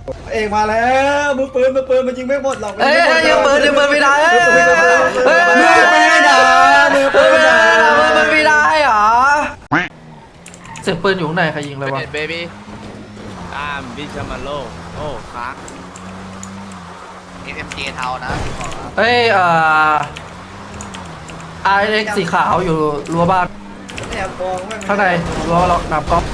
เอกมาแล้วมือปืนมันยิงไม่หมดหรอกเอ้ยยิงปืนไม่ได้มือปืนไม่ได้มือปืนไม่ได้เหรอเสียงปืนอยู่ข้างในใครยิงเลยวะเบบี้ตามบิชมาโลโอ้ค้าง SMG เทานะเอ้ยRX สีขาวอยู่รั้วบ้านแอบมองไม่ข้างในรั้วเราหนามก๊อฟ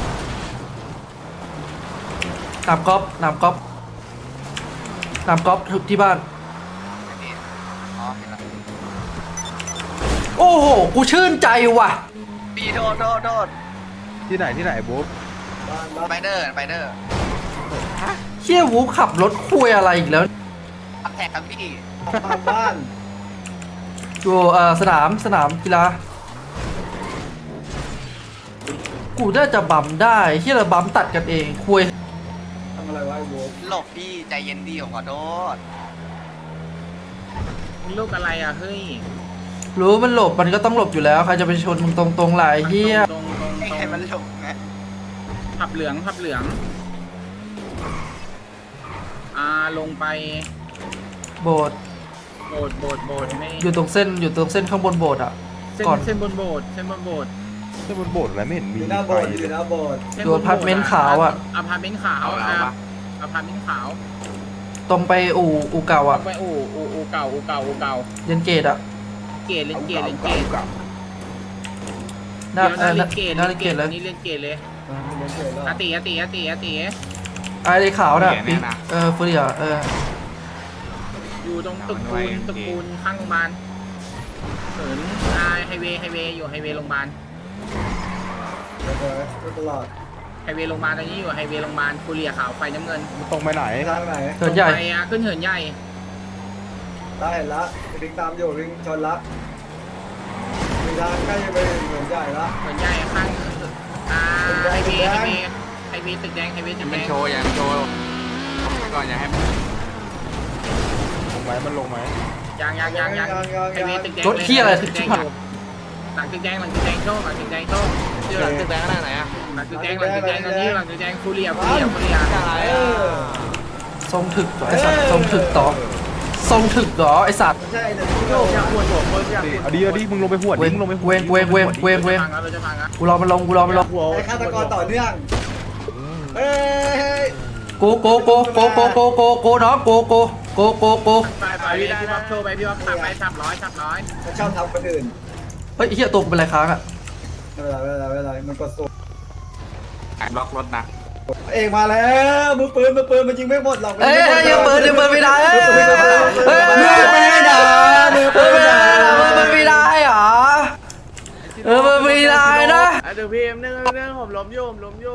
หนามก๊อฟหนามก๊อฟหนามก๊อฟที่บ้านอ๋อเห็นแล้วโอ้โหกูชื่นใจว่ะปีโดดที่ไหนบุ๊บไปเดอร์เชี่ยวูขับรถคุยอะไรอีกแล้วอัพแท็กครับพี่บ้านอยู่สนามกีฬากูน่าจะบัมได้เฮียเราบัมตัดกันเองคุยทำอะไรวะไอ้โว้หลบพี่ใจเย็นดีผมขอโทษลูกอะไรอ่ะเฮ้ยรู้มันหลบมันก็ต้องหลบอยู่แล้วใครจะไปชนมึงตรงๆหลายเฮียตรงให้มันหลบไงผับเหลืองลงไปโบสถ์โบดไม่อยู่ตรงเส้นข้างบนโบสถ์อ่ะเส้นบนโบดที่บนโบสถ์อะไรไม่เห็นอมียู่หน้าโบไฟสถ์อเลยู่ยหน้าโบสถ์อยู่อพาร์ตเมนต์ขาวอ่ะอพาร์ตเมนต์ขาวอพาร์ตเมนต์ขาวตรงไปอู่เก่าอ่ะไปอู่เก่าเรียนเกตอ่ะเกตเล่นเกตหน้าเล่นเกตหน้าเรียนเกตเลยนี่เล่นเกตเลยเรียนเกตแล้วอาติไอ้ขาวน่ะปิ๊งเฟรียอยู่ตรงตึกปูนข้างโรงพยาบาลเหินไฮเวย์อยู่ไฮเวย์โรงพยาบาลไปตลอดไฮเวย์โรงพยาบาลตอนนี้อยู่ไฮเวย์โรงพยาบาลฟูเรียขาวไฟน้ำเงินมันตรงไปไหนทางไหนเหินใหญ่ไปขึ้นเหินใหญ่ได้เห็นละลิงตามอยู่ลิงชนละมีทางใกล้จะไปเหมือนใหญ่ละเหินใหญ่ข้างไฮเวย์ตึกแดงไฮเวย์ตึกแดมันงโชว์อย่างโชว์ก่อนอย่าให้มันลงไหมยังไฮเวย์ตึกแดงรถเที่ยอะไรถึงตึกแดชิบงหายหลังตึกแดงโชว์ชื่อหลังตึกแดงขนาดไหนอ่ะหลังตึกแดงตอนนี้หลังตึกแดงฟูเรียอะไรอ่ะทรงถึกต่อไอสัตว์ทรงถึกต่อทรงถึกต่อไอสัตว์ใช่แต่โยกอยากปวดหัวคนอยากเอาดิมึงลงไปหวดดิมึงลงไปหวดเวงเราจะพังอ่ะกูรอมันลงไอ้ฆาตกรต่อเนื่องเอ้ยโกน้องโกไปพี่บ๊อบโชว์ไปพี่บ๊อบขับไป300 มันชอบทำคนอื่นเฮ้ยเฮียตัวกูเป็นไรค้างอ่ะไม่เป็นไรมันกดสูงบล็อกรถนะเอกมาแล้วมือปืนมันยิงไม่หมดหรอกเอ้ยยิงปืนไม่ได้มือปืนไม่ได้มือปืนไม่ได้เหรอมันไม่ได้นะเดี๋ยวพี่นึงผมล้มอยู่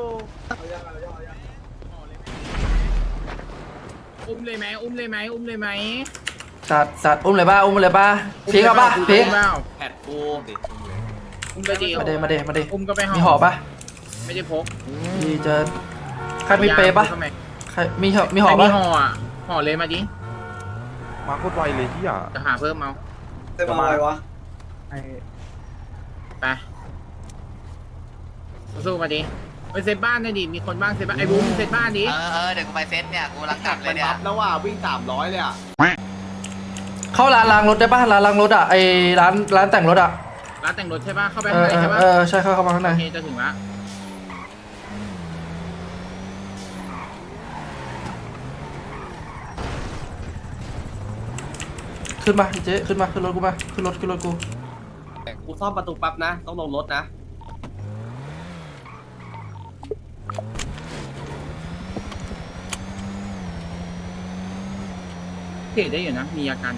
อุ้มเลยไหมสัตว์อุ้มเลยป่ะพีกเอาป่ะพีกแผดกูอุ้มไปดิมาเดอุ้มก็ไปมีห่อป่ะไม่ได้พกดีเจอใครมีเปย์ป่ะใครมีห่อมีป่ะห่ออ่ะห่อเลยมาดิมาโคตรไวเลยที่อ่ะจะหาเพิ่มเอาเต็มมาอะไรวะไปสู้มาดิไปเซตบ้านได้ดิมีคนบ้างเซตบ้านไอ้บูมเซตบ้านดิเดี๋ยวกูไปเซตเนี่ยกูรังกลับเลยเนี่ยแล้วว่าวิ่ง300เลยอ่ะเข้าร้านล้างรถได้ป่ะร้านล้างรถอ่ะไอร้านแต่งรถอ่ะร้านแต่งรถใช่ป่ะเข้าไปข้างในใช่ป่ะใช่เข้ามาข้างในโอเคจะถึงละขึ้นมาเจ๊ขึ้นรถกูมาขึ้นรถกูกูซ่อมประตูปั๊บนะต้องลงรถนะเทได้อยู่นะมีอาการ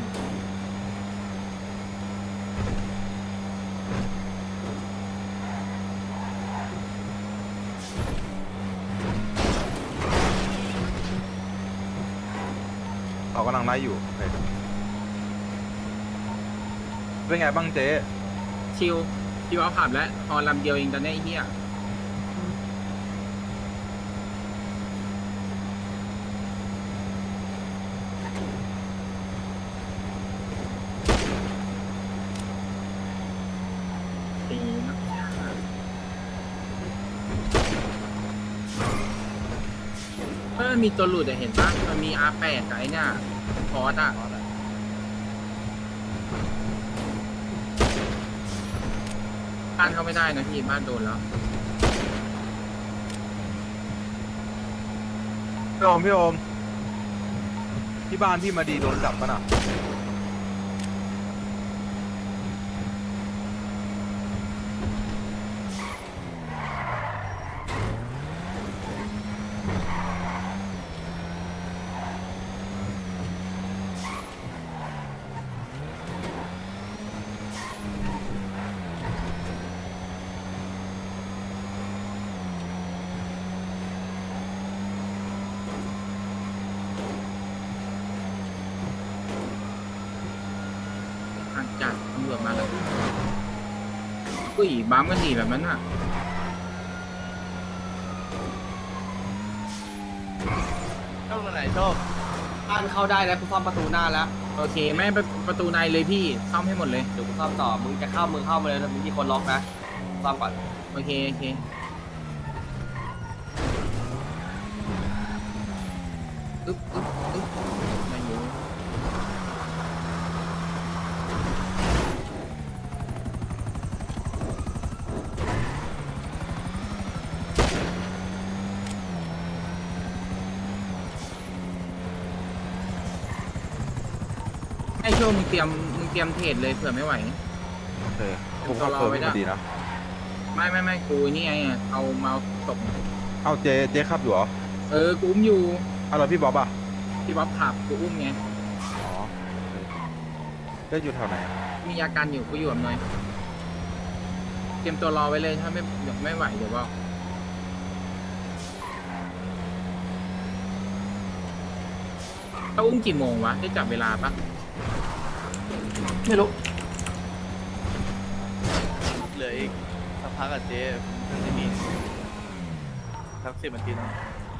เขากำลังไล่อยู่เป็นไงบ้างเจ๊ชิวเอาขับแล้วพอลำเดียวเองตอนนี้ไอ้เหี้ยตีนะเฮ้มันมีตัวหลุดอะเห็นปะมันมี R8 กับไอ้เนี่ยพอร์ตอะบ้านเข้าไม่ได้นะพี่บ้านโดนแล้วพี่โอมที่บ้านพี่มาดีโดนจับปะน่ะอาจจัดตำรวจมาแล้วอุ้ยบัมกันดีแบบนั้นอ่ะเข้าตรงไหนโชคบ้านเข้าได้แล้วกูซ่อมประตูหน้าแล้วโอเคไม่ประตูในเลยพี่ซ่อมให้หมดเลยเดี๋ยวกูซ่อมต่อมึงจะเข้ามึงเข้ามาเลยนะมึงมีคนล็อกนะซ่อมก่อนโอเคโอเคอึ๊บอึ๊บอึ๊บไม่อยู่ไอ้ช่วงมึงเตรียมเทรดเลยเผื่อไม่ไหวโอเคผมก็เพิ่มมาดีนะไม่กูนี่ไงอะเอาเมาส์ตกเอาเจ๊ขับอยู่เหรอกูอุ้มอยู่เอาแล้วพี่บ๊อบอ่ะพี่บ๊อบขับกูอุ้มไงอ๋อได้อยู่แถวไหนอะมีอาการอยู่กูอยู่กับหน่อยเตรียมตัวรอไว้เลยถ้าไม่ไหวเดี๋ยวบอกเขาอุ้มกี่โมงวะได้จับเวลาปะไม่รู้เหลืออีกสักพักกับเจ๊มันจะมีสัก10 นาทีนะ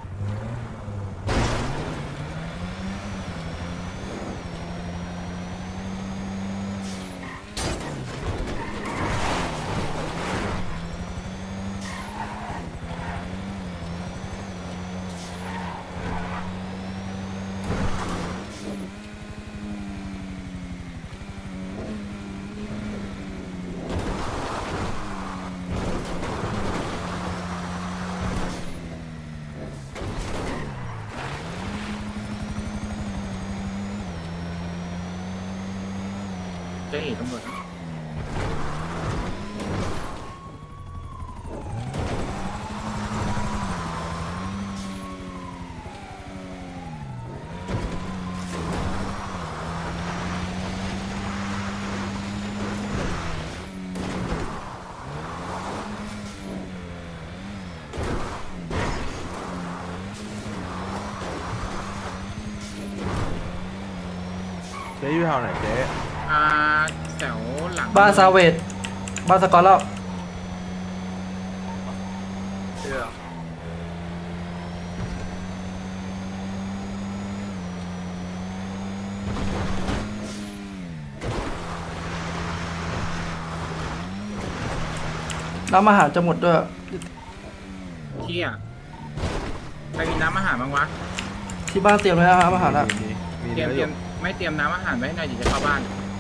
เจ๊เอ๋ตำรวจเจ๊อยู่แถวไหนเจ๊แถวหลังบ้านซาเวตบ้านสกอตแล้วเชื่อน้ำอาหารจะหมดด้วยเที่ยใครมีน้ำอาหารบ้างวะที่บ้านเตรียมไว้แล้วครับอาหารอ่ะมีเตรียมเนื้ออยู่ไม่เตรียมน้ำอาหารไว้ให้หน่อยเดี๋ยวจะเข้าบ้าน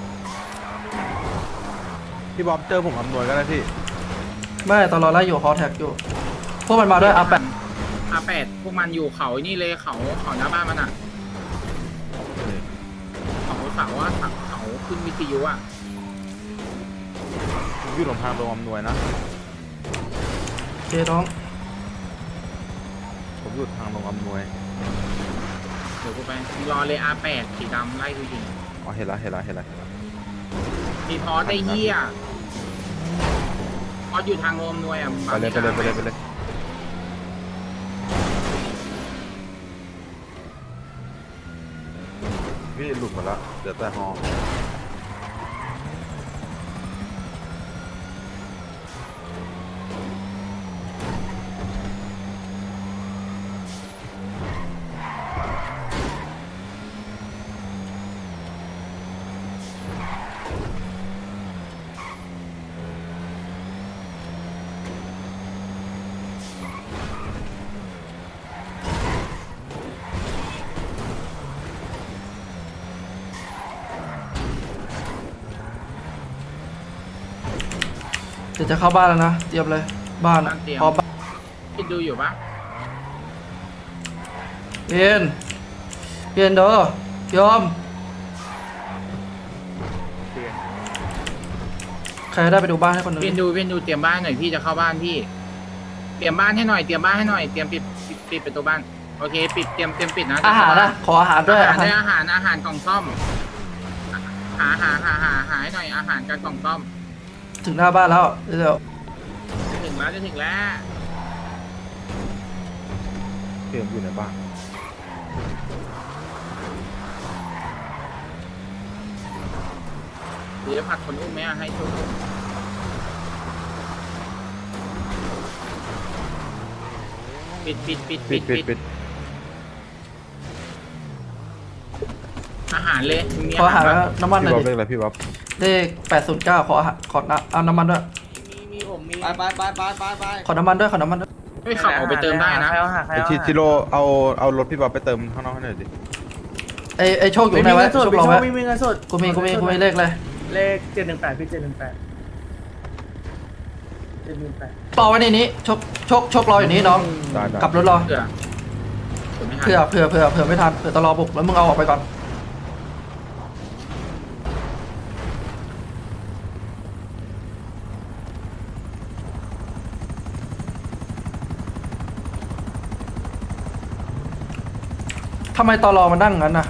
พี่บ๊อบเจอผมอำนวยก็ได้พี่ไม่ตอนรอไล่อยู่ฮอแท็กอยู่ พวกมันมาด้วยอาแปะ R8พวกมันอยู่เขานี่เลยเขาหน้าบ้านมันอ่ะเขาขึ้นวิทยุอ่ะผมอยู่หลงทางโรงอำนวยนะเคน้องผมอยู่ทางโรงอำนวยเดี๋ยวกูไปรอเลย R8 สีดำไล่กูยิงอ๋อเห็นละมีพอสได้เหี้ยพอสอยู่ทางโรมนวยอ่ะไปเลยพี่หลุดหมดแล้วเดี๋ยวแต่ฮอดี๋ยวจะเข้าบ้านแล้วนะเตรียมเลยบ้านอะพร้อมคิดดูอยู่ปะเพียนเด้อยอมใครได้ไปดูบ้านให้คนหนึงเพียนดูเตรียมบ้านหน่อยพี่จะเข้าบ้านพี่เตรียมบ้านให้หน่อยเตรียมปิดประตูบ้านโอเคปิดเตรียมปิดนะอาหารนะขออาหารด้วยอาหารกล่องซ่อมหาให้หน่อยอาหารกับกล่องซ่อมถึงหน้าบ้านแล้วเดี๋ยวจะถึงแล้วเตรียมอยู่ในบ้านหรือจะผัดคนอุ้มไหมให้ช่วยปิดอาหารเลยมีขออาหารปะน้ำมันหพี่น่บ๊ออย บดิเรียกอะไรพี่บ๊อบเลข809ขออาหารขอเอาน้ำมันด้วยไปขอน้ำมันด้วยขอน้ำมันด้วยไม่ขับออกไปเติมได้นะไอชิโร่เอารถพี่บ๊อบไปเติมข้างนอกให้หน่อยดิไอโชคอยู่ไหนวะโชครอไว้ไม่มีเงินสดกูมีเลขเลยเลข718พี่718 รอไว้ในนี้โชครออยู่นี้น้องได้กลับรถรอเผื่อเผื่อไม่ทันเผื่อตลอบุกแล้วมึงเอาออกไปก่อนทำไมตลอมันนั่งงั้นน่ะ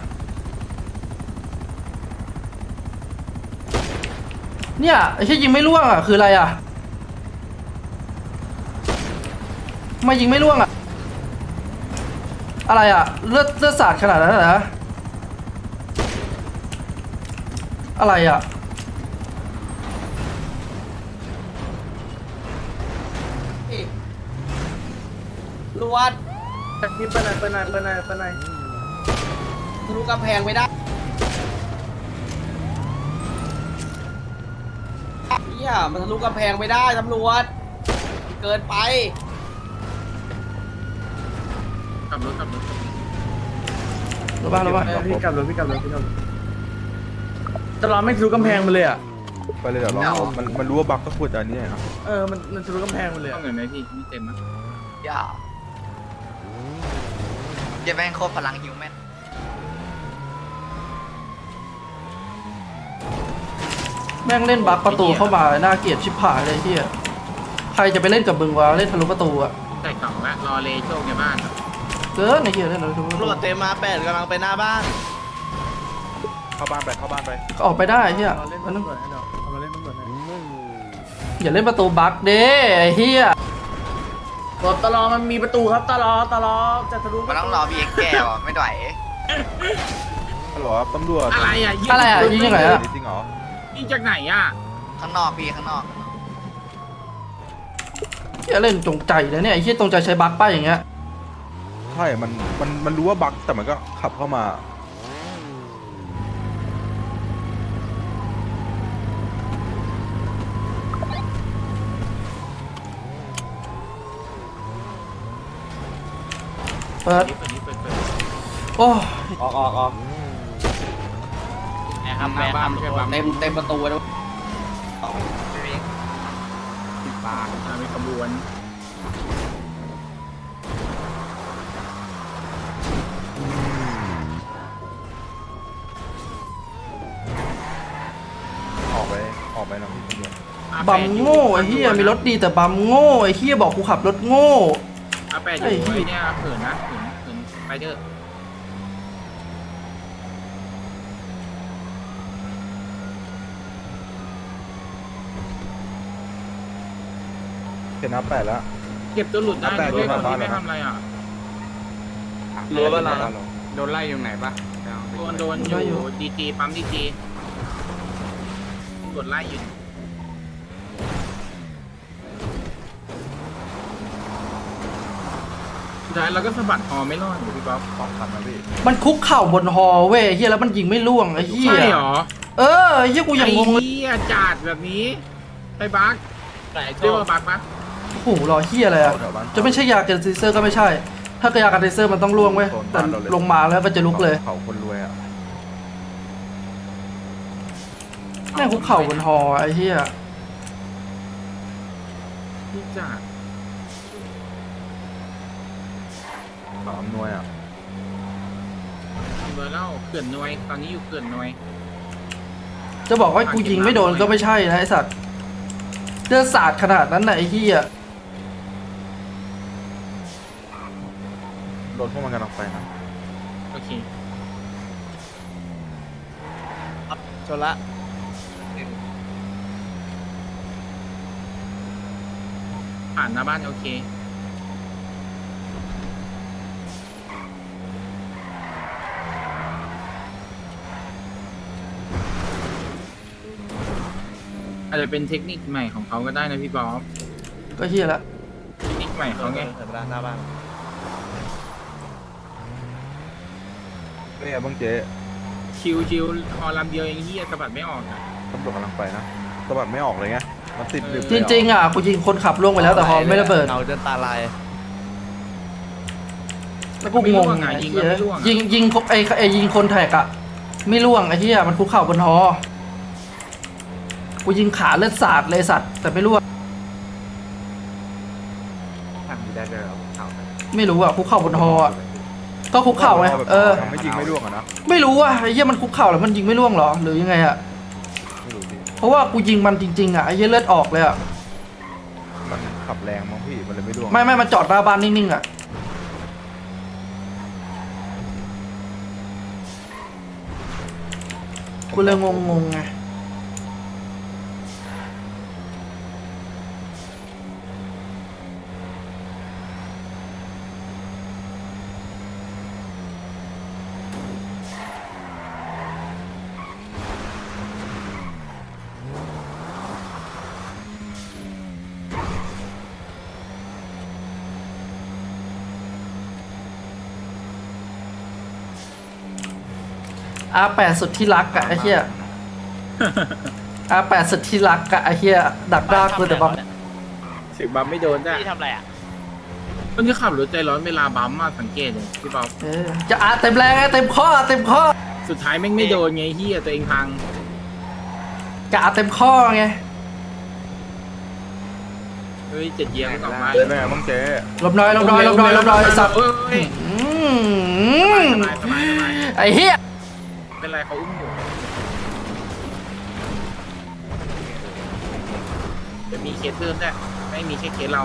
เนี่ยไอ้ที่ยิงไม่ล่วงอ่ะคืออะไรอ่ะทำไมยิงไม่ล่วงอ่ะอะไรอ่ะเลือดสาดขนาดนั้นเหรออะไรอ่ะลวดพี่เปิ้ลหน่อยทะลุกำแพงไม่ได้เฮียมันทะลุกำแพงไม่ได้ตำรวจเกินไปขับรถรู้ป่ะพี่กลับรถตลอดไม่ทะลุกำแพงมาเลยอ่ะไปเลยเดี๋ยวรอมันรู้ว่าบั๊กก็พูดแต่อันนี้นะมันทะลุกำแพงมาเลยต้องเงินไหมพี่ไม่เต็มนะอย่าจะแม่งโคตรพลังฮิวแมนแม่งเล่นบัคประตูเข้ามาน่าเกลียดชิบหายเลยที่ใครจะไปเล่นกับมึงวะเล่นทะลุประตูอ่ะใส่กล่องแล้วรอเลโชคในบ้านเกินไอ้เหี้ยเล่นทะลุประตูตำรวจเต็มมา8กำลังไปหน้าบ้านเข้าบ้านไปก็ออกไปได้ไอ้เหี้ยเล่นมันต้องตำรวจเดี๋ยวเอามาเล่นตำรวจนะอย่าเล่นประตูบัคเด้ไอ้เหี้ยรถตลอมันมีประตูครับตลอจะทะลุมันต้องรอพี่เอ็กแก้วไม่ไหวฮัลโหลครับตำรวจอะไรอ่ะอะไรอ่ะยิงยังไงอ่ะจริงเหรอยิงจากไหนอ่ะข้างนอกพี่ข้างนอกเหี้ยเล่นจงใจนะเนี่ยไอ้เหี้ยจงใจใช้บัคป้าอย่างเงี้ยใช่มันรู้ว่าบั๊กแต่มันก็ขับเข้ามาเปิดเปิดโอ้ออกหน้าบ้านไม่ใช่บ้านเต็มประตูเลยมีขบวนออกไปน้องพี่ตำรวจบัมโง่ไอ้เหี้ยมีรถดีแต่บัมโง่ไอ้เหี้ยบอกกูขับรถโง่อาแปดอยู่ไอ้เนี่ยเขินนะเขินไปเถอะเห็นนับ8แล้วเก็บตัวหลุดได้แต่ด้วยโดคน นบ้านที่ไม่เหรอทำอะไรอ่ะรู้ว่าเราโดนไล่อยู่ไหนปะโดนอยู่ดีจีปั๊มดีจีกดไล่อยู่สุดท้ายเราก็สะบัดฮอไม่รอดอยู่พี่ป๊อปต้องทันนะพี่มันคุกเข่าบนฮอเว้ยไอ้เหี้ยแล้วมันยิงไม่ล่วงไอ้เหี้ยใช่เหรอเออไอ้เหี้ยกูยังงงเลยไอ้เหี้ยจัดแบบนี้ไอ้บั๊กเรียกว่าบั๊กปะโอ้โหรอเหี้ยอะไรอ่ะจะไม่ใช่ยากันเซเซอร์ก็ไม่ใช่ ถ้ายากันเซเซอร์มันต้องล่วงเว้ยแต่ลงมาแล้วก็จะลุกเลยเขาคนรวยอ่ะแม่งคุกเข่าบนฮอไอ้เหี้ยพี่จ่าขออำนวยอ่ะเบอร์เล่าเขื่อนนวยตอนนี้อยู่เขื่อนนวยจะบอกว่ากูยิงไม่โดนก็ไม่ใช่นะไอสัตว์เลือดสาดขนาดนั้นน่ะไอ้เหี้ยรถพวกมันกำลังไปนะโอเคชนละผ่านหน้าบ้านโอเคอาจจะเป็นเทคนิคใหม่ของเขาก็ได้นะพี่บ๊อบก็เหี้ยละเทคนิคใหม่เขาไงเหินไปหน้าบ้านเนี่ยบ้างเจ๊ชิวฮอลำเดียวเองเฮียสะบัดไม่ออกอะตำรวจกำลังไปนะสะบัดไม่ออกเลยไงมันติดดึกจริงๆอ่ะกูยิงคนขับล่วงไปแล้วแต่ฮอไม่ระเบิดเงาจนตาลายแล้วกูงงไงไอ้ยิงเหี้ก็ยไม่ร่วงยิงไอ้ยิงคนแท็กอะไม่ล่วงไอ้เหี้ยมันคุกเข่าบนฮอกูยิงขาเลือดสาดเลยสัตว์แต่ไม่ล่วงทำได้เลยเอาไม่รู้อะคุกเข่าบนฮออะก็คุกเข่าไงทำไม่จริงไม่ร่วงอ่ะนะไม่รู้อะไอ้เหี้ยมันคุกเข่าแล้วมันยิงไม่ล่วงเหรอหรือยังไงอะไม่รู้พี่เพราะว่ากูยิงมันจริงๆอะไอ้เหี้ยเลือดออกเลยอะมันขับแรงมั้งพี่มันเลยไม่ร่วงไม่มันจอดหน้าบ้านนิ่งๆอะกูเลยงงๆไงR8 สุดที่รักอะไอ้เหี้ย R8 สุดที่รักอะไอ้เหี้ยดักด้ากูแต่บัมเสียงบัมไม่โดนจ้ะพี่ทำอะไรอ่ะคนที่ขับรถใจร้อนเวลาบัมมาสังเกตเลยพี่บ๊อบจะเต็มแรงไงเต็มข้อเต็มข้อสุดท้ายแม่งไม่โดนไงเฮียตัวเองพังจะเต็มข้อไงเฮ้ยเจ็ดเยียร์ไม่ออกมาเจ๊แม่บ้างเจ๊ลมน้อยไอ้สัตว์เอ้ยอืมสบายไอ้เหี้ยเป็นไรเขาอุ้มอยู่จะมีเคสเพิ่มด้วยไม่มีแค่เคสเรา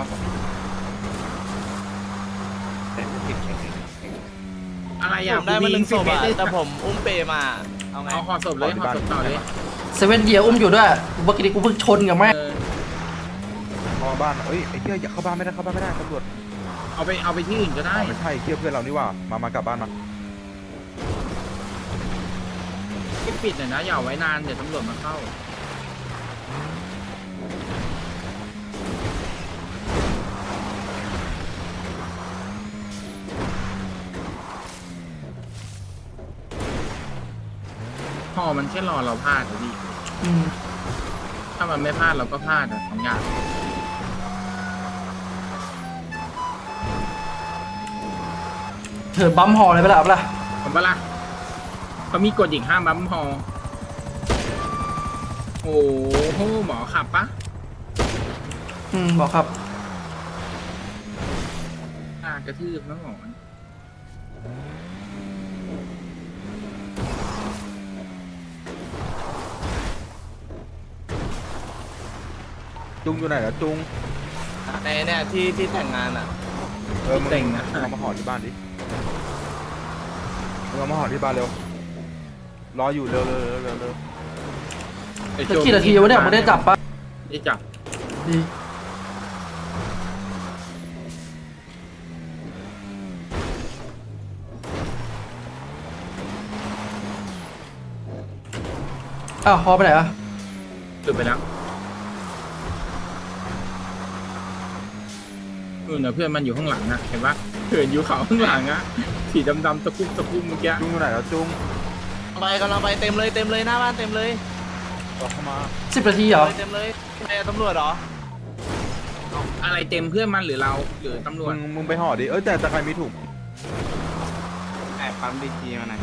อะไรผอ่ะมได้มาหนึ่งศพอ่ะได้แต่ผมอุ้มเปมาเอาไงเอาห่อศพเลยห่อศพต่อเลยเซเว่นเดียอุ้มอยู่ด้วยเมื่อกี้กูเพิ่งชนกับแม่เข้าบ้านเอ้ยไอ้เหี้ยอย่าเข้าบ้านไม่ได้เข้าบ้านไม่ได้ตำรวจเอาไปที่อื่นก็ได้ไม่ใช่เที่ยวเพื่อนเรานี่ว่ามากลับบ้านมาปิดหน่อยนะอย่าเอาไว้นานเดี๋ยวตำรวจมาเข้าพอมันแค่รอเราพลาดอะพี่อืมถ้ามันไม่พลาดเราก็พลาดอะสองอย่างเถิดบัมฮอเลยไปละเอาไปละผมปะล่ะเขามีกฎอีกห้ามบัมพอโอ้โหหมอขับปะบอกครับกระทืบนะหมอจุงอยู่ไหนแล้วจุงในเนี่ยที่แต่งงานอ่ะมึงเต็งนะเอามาห่อที่บ้านดิมึงเอามาห่อที่บ้านเร็วรออยู่เร็วจะกี่นาทีวะเนี่ยมึงได้จับปะได้จับดีอ้าวฮอไปไหนอะหลุดไปแล้วนะเพื่อนมันอยู่ข้างหลังนะเห็นปะเหินอยู่เขาข้างหลังอะสีดำๆตะคุ่มเมื่อกี้จุงอยู่ไหนแล้วจุงกำลังไปเต็มเลยหน้าบ้านเต็มเลยต่อเข้ามา 10 นาทีเหรอเต็มเลยไอ้ตำรวจเหรออะไรเต็มเพื่อนมันหรือเราหรือตำรวจมึงไปห่อดิแต่ใครมีถุงแอบปั๊มดีจีมาหน่อย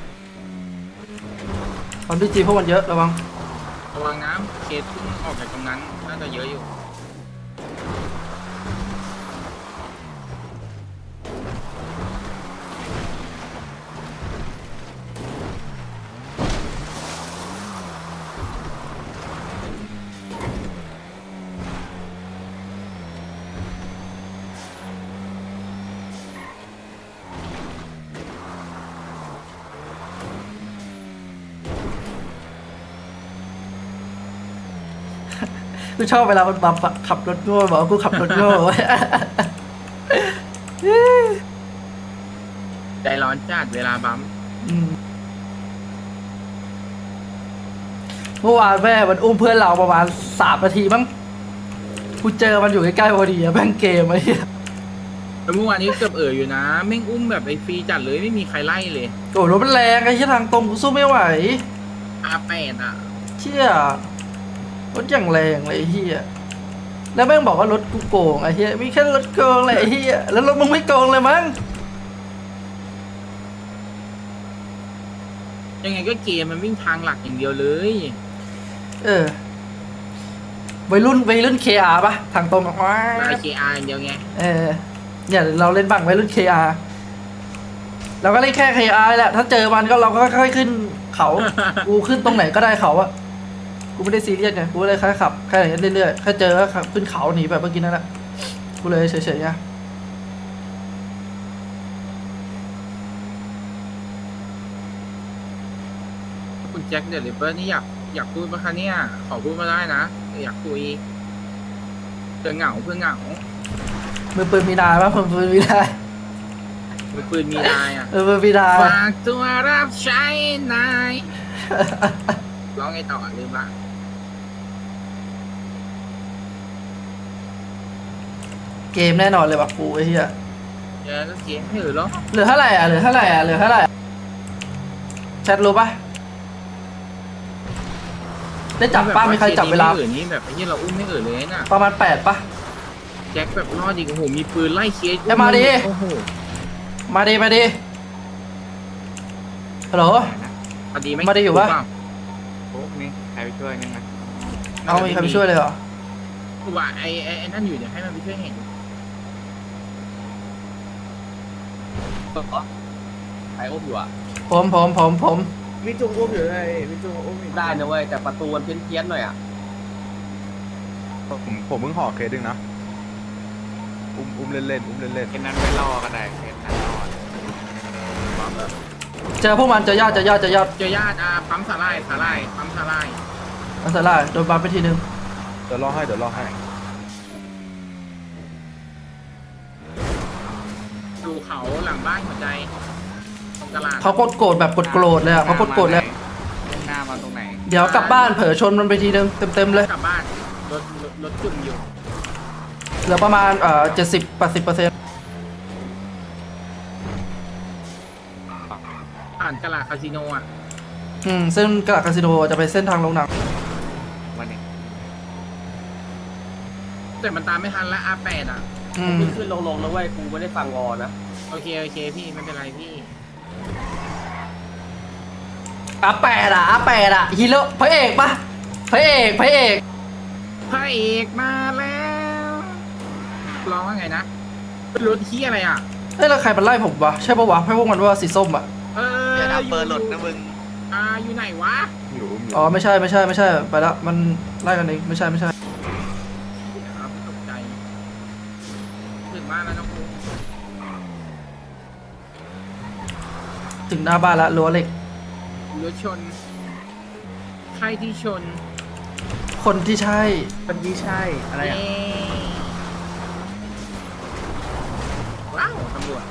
ความดีจีพวกมันเยอะระวังระวังน้ำเคสเพิ่งออกจากตรงนั้นน่าจะเยอะอยู่กูชอบเวลามันบัฟอะขับรถโง่บอกว่ากูขับรถโง่ใจร้อนจัดเวลาบัมป์อืมเมื่อวานแม่มันอุ้มเพื่อนเราประมาณ3 นาทีมั้งกูเจอมันอยู่ใกล้ๆพอดีอะแม่งเกมไอ้เหี้ยแล้วเมื่อวานนี้เกือบอยู่นะแม่งอุ้มแบบไอ้ฟรีจัดเลยไม่มีใครไล่เลยโอ้รถมันแรงไอ้เหี้ยทางตรงกูสู้ไม่ไหว R8 อ่ะเชี่ยรถอย่างแรงเลยไอ้เหี้ยแล้วแม่งบอกว่ารถกูโกงไอ้เหี้ยมีแค่รถโกงเลยไอ้เหี้ยแล้วรถมึงไม่โกงเลยมั้งยังไงก็เกมมันวิ่งทางหลักอย่างเดียวเลยเออวัยรุ่น KR ปะทางตรงออกมาไล่ KR อย่างเดียวไงเออเนี่ยเราเล่นบังวัยรุ่น KR เราก็เล่นแค่ KR แหละถ้าเจอมันก็เราก็ค่อยๆขึ้นเขา กูขึ้นตรงไหนก็ได้เขาอะกูไม่ได้ซีเรียสไงกูเลยแค่ขับแค่อย่างนี้เรื่อยๆแค่เจอก็ขับขึ้นเขาหนีแบบเมื่อกี้นั่นแหละกูเลยเฉยๆไงคุณแจ็คเดลิเวอร์นี่อยากพูดไหมคะเนี่ยขอพูดมาได้นะอยากคุยเพื่อเหงามือปืนมีนายปะมือปืนมีนายมือปืนมีนายอ่ะมือมีนายฝากตัวรับใช้นายร้องไงต่อลืมละเกมแน่นอนเลยว่ะกูไอ้เหี้ยเดี๋ยวก็เสียงถือแล้วเหลือเท่าไหร่อ่ะเหลือเท่าไหร่อ่ะเหลือเท่าไหร่แชทรู้ปะได้จับป้ามีใครจับเวลาไม่อื่นนี่แบบไอ้ที่เราอุ้มไม่อื่นเลยน่ะประมาณ8ปะแจ็คแบบรอดอีกโอ้โหมีปืนไล่เคสเอ้ยมาดิโอ้โหมาดิฮัลโหลพอดีไหมมาดิอยู่ปะโอ้นี่ใครไปช่วยนึงนะเอามีใครไปช่วยเลยเหรอกูว่าไอ้นั่นอยู่เดี๋ยวให้มันไปช่วยเห็นใครอุ้มอยู่อ่ะผมพี่จุงอุ้มอยู่ไงพี่จุงอุ้มอยู่ได้นะเว้ยแต่ประตูมันเพี้ยนๆหน่อยอ่ะผมเพิ่งห่อเคสดึงนะอุ้มเล่นอุ้มเล่นเคสนั้นไม่รอก็ได้เคสนั้นรอเจอพวกมันเจอญาติเจอญาติปั๊มสาลายปั๊มสาลายอันสลายโดนบัฟไปทีนึงเดี๋ยวรอให้ดูเขาหลังบ้านหัวใจตรงตลาดเขากดโกรธแบบกดโกรธเลยอ่ะเขากดโกรธเลยหน้ามาตรงไหนเดี๋ยวกลับบ้านเผลอชนมันไปทีนึงเต็มเลยกลับบ้านรถจุ่มอยู่เหลือประมาณ70-80% ผ่านตลาดคาสิโนอ่ะซึ่งกระดาษคาสิโนจะไปเส้นทางลงหนังวันนี้แต่มันตามไม่ทันแล้ว R8 อ่ะขึ้นลงๆนะเว้ยกูไม่ได้ฟังวอนะโอเคพี่ไม่เป็นไรพี่ R8 อ่ะฮีโร่พระเอกปะพระเอกพระเอกมาแล้วร้องว่าไงนะเป็นรถที่อะไรอ่ะเอ้ยแล้วใครมันไล่ผมวะใช่ปะวะให้พวกมันว่าสีส้มอ่ะอย่าทำเบอร์หลุดนะมึงอยู่ไหนวะอยู่อ๋อไม่ใช่ไปแล้วมันไล่กันเองไม่ใช่ครับตกใจถึงบ้านแล้วน้องครูถึงหน้าบ้านแล้วรั้วเหล็กรถชนใครที่ชนคนที่ใช่เป็นที่ใช่อะไรอ่ะเย้ว้าวตำรวจ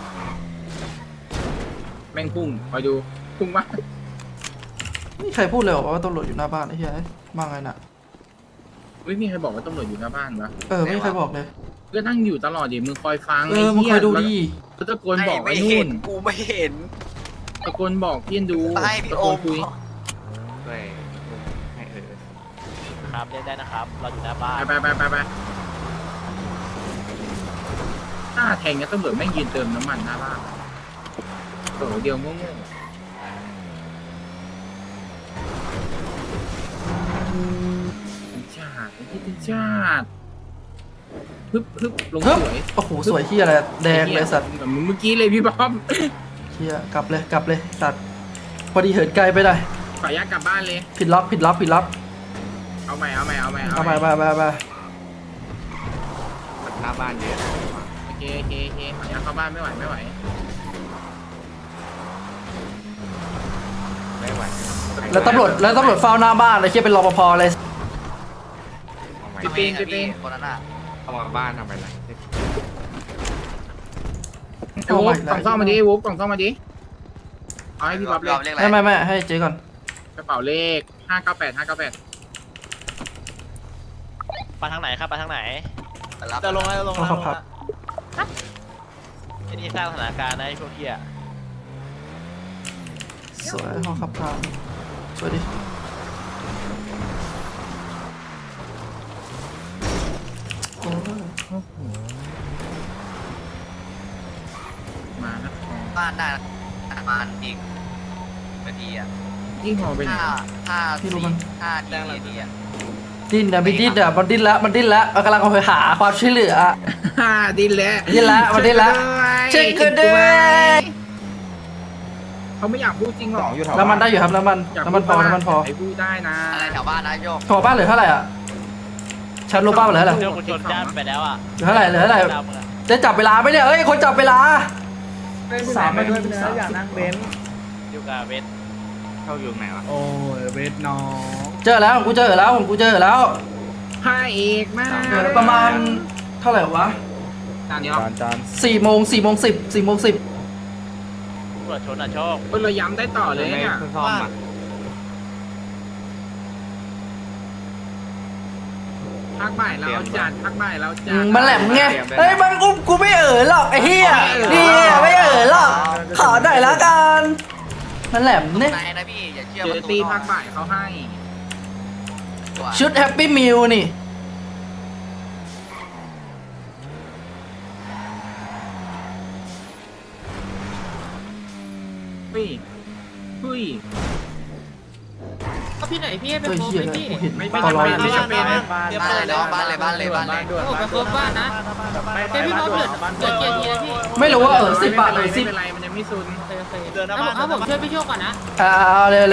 แม่งพุ่งคอยดูพุ่งมาไม่มีใครพูดเลยเหรอว่าตำรวจอยู่หน้าบ้านไอ้เหี้ยมาไงน่ะไม่มีใครบอกว่าตำรวจอยู่หน้าบ้านปะไม่มีใครบอกเลยก็นั่งอยู่ตลอดดิมึงคอยฟังมึงคอยดูดิแล้วตะโกนบอกไอ้ไม่นู่เห็นนกูไม่เห็นตะโกนบอกพี่ดูให้พี่ตะโอโกนมคุยด้วยให้ครับเล่นได้นะครับ เราอยู่หน้าบ้านไปถ้าแทงเนี่ยตำรวจแม่งยืนเติมน้ำมันหน้าบ้านโอ้เดียวโง่ๆชาติที่เป็นชาติฮึบลงเฮ้ยสวยโอ้โหสวยที่อะไรแดงเลยสัตว์แบบเมื่อกี้เลยพี่บ๊อบเฮียกลับเลยสัตว์พอดีเหินไกลไปหน่อยขออนุญาตกลับบ้านเลยผิดล็อกเอาใหม่เอาไปหน้าบ้านเยอะโอเคขออนุญาตเข้าบ้านไม่ไหวไม่ไหวแล้วตำรวจเฝ้าหน้าบ้านเลยเฮียเป็นรปภเลยเอาไว้พี่เองอะพี่คนนั้นอ่ะเอามาบ้านทำไปไรเอาวุ๊ใหม่กกล่องซ่อมมาดิวุ๊กกล่องซ่อมมาดิเอาให้พี่บ๊อบเลรยอบเรียกอะไรไม่ให้เจ๊ก่อนกระเป๋าเลข598 ไปทางไหนครับไปทางไหนรับจะลงแล้วจะลงแล้วครับไอ้นี่สร้างสถานการณ์นะไอ้พวกเหี้ยสวยห้องขับพาสวยดิ โอ้ยมานะบ้านได้ประมาณอีกนาทีอ่ะยิ่งหอไปไหน 5 นาทีอ่ะดิ้นนะพี่ดิ้นอ่ะมันดิ้นแล้วมันกำลังไปหาความช่วยเหลือดินแล้วดิ้นแล้วมันดิ้นแล้วเช็คกันด้วยเขาไม่อยากพูดจริงหรอกน้ำมันได้อยู่ครับน้ำมันพอน้ำมันพอไอ้พูดได้นะอะไรแถวบ้านนะโยกขอบ้านเหลือเท่าไหร่อ่ะชันรู้บ้านเหลือเท่าไหร่เรื่องคุณชนจ้ามไปแล้วอ่ะเหลือเท่าไหร่ดาวมึงอะจะจับเวลาไหมเนี่ยเอ้ยคนจับเวลาสามมาด้วยเนื้ออยากนั่งเบนซ์อยู่กับเวทเข้าอยู่ไหนวะโอ้ยเบนซ์น้องเจอแล้วผมกูเจอแล้วพระเอกมากเหลือประมาณเท่าไหร่วะจานนี้หรอจาน 4 โมง 10 ตรวจชนอ่ะโชคเราย้ำได้ต่อเลยเนี่ยซ่อมอ่ะพักบ่ายแล้วจัดพักบ่ายแล้วจัดมันแหลมไงเฮ้ยมันกูไม่หรอกไอ้เหี้ยนี่ไม่หรอกขอหน่อยละกันมันแหลมเนี่ยไหนนะพี่อย่าเชื่อเจอตีพักบ่ายเขาให้ชุดแฮปปี้มิลนี่เฮ้ยเฮ้ยพี่ไหนพี่ให้ไปเฮ้ยโคบเหี้ยไหมเลยพี่กูเห็นไม่ตลอดไม่จำเป็นบ้านเลยน้องบ้านเลยโอ้ไปโคบบ้านนะเป็นพี่บ๊อบเหลือเกียร์ทีนะพี่ไม่รู้ว่า10 บาทเลยไม่เป็นไรมันยังไม่ซุนโอเคเอาผมช่วยพี่โชคก่อนนะเอาเลย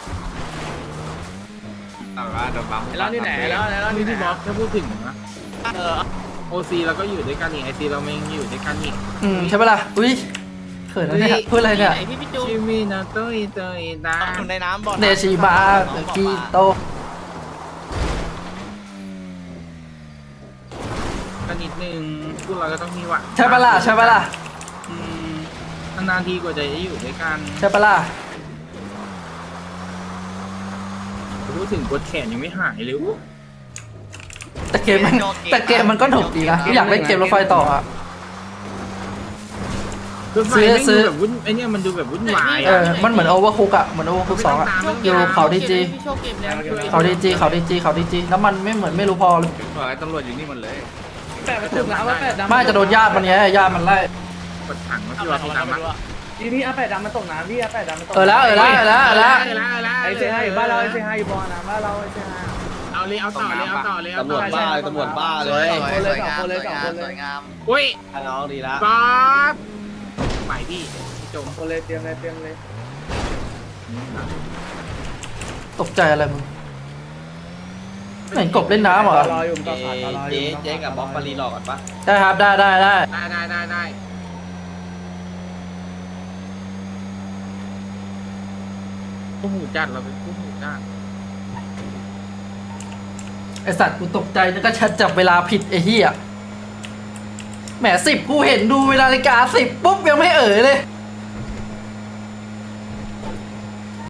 แล้วนี่ไหนแล้วนี่นี่พี่ไหนบ๊อบถ้าพูดถึงนะโอซีเราก็อยู่ด้วยกันนี่ไอซีเราไม่อยู่ด้วยกันนี่ใช่ปะล่ะอุ้ยเขินนะเนี่ยพูดอะไรพี่เนี่ยไหนพี่จูชิมินาโตอิโตอิตาอยู่ในน้ำบ่อเนชิบากีโตกันนิดนึงพวกเราก็ต้องมีหวังใช่ปะล่ะนานๆทีกว่าจะได้อยู่ด้วยกันใช่ปะล่ะพูดถึงกดแขนยังไม่หายเลยแต่เกมมันก็หนุกดีนะอยากเล่นเกมรถไฟต่ออ่ะรถไฟไม่ดูแบบวุ่นไอเนี่ยมันดูแบบวุ่นวายมันเหมือนโอเวอร์คุกอ่ะเหมือนโอเวอร์คุก2อ่ะอยู่เขาดีจีพี่โชคเกมแล้วเขาดีจีน้ำมันไม่รู้พอเลยตำรวจอยู่นี่หมดเลยแปะมาถูกนะว่าแปะดำไม่จะโดนญาติมันไงญาติมันไล่กดถังมาเอาพี่ไปว่าพี่ทำตามอะไรมาไม่รู้อะพี่อาแปะดำมันตกน้ำพี่อาแปะดำมันตกแล้วไอเซฮาอยู่บ้านเราไอเซฮาอยู่บอลนะบ้านเราไอเซฮาเอาเลยเอาต่อเลยเอาต่อเลยเอาตำรต่วอจบ้าตำรวจบ้าเลยสวยงามสวยงามอุ้ยน้องดีละบ๊อบใหม่พี่จมคนเลยเตรียมเลยตกใจอะไรมึงเหมือนกบเล่นน้ำเหรอรออยู่ต่อขาดรออยู่เจ๊กับบ๊อบปารีหลอกก่อนปะได้ครับได้ได้ผู้หูจัดเราเป็นผู้หูจัดไอสัตว์กูตกใจนึกว่าชัดจับเวลาผิดไอ้เหี้ยแหม10กูเห็นดูเวลานาฬิกา10ปุ๊บยังไม่เลย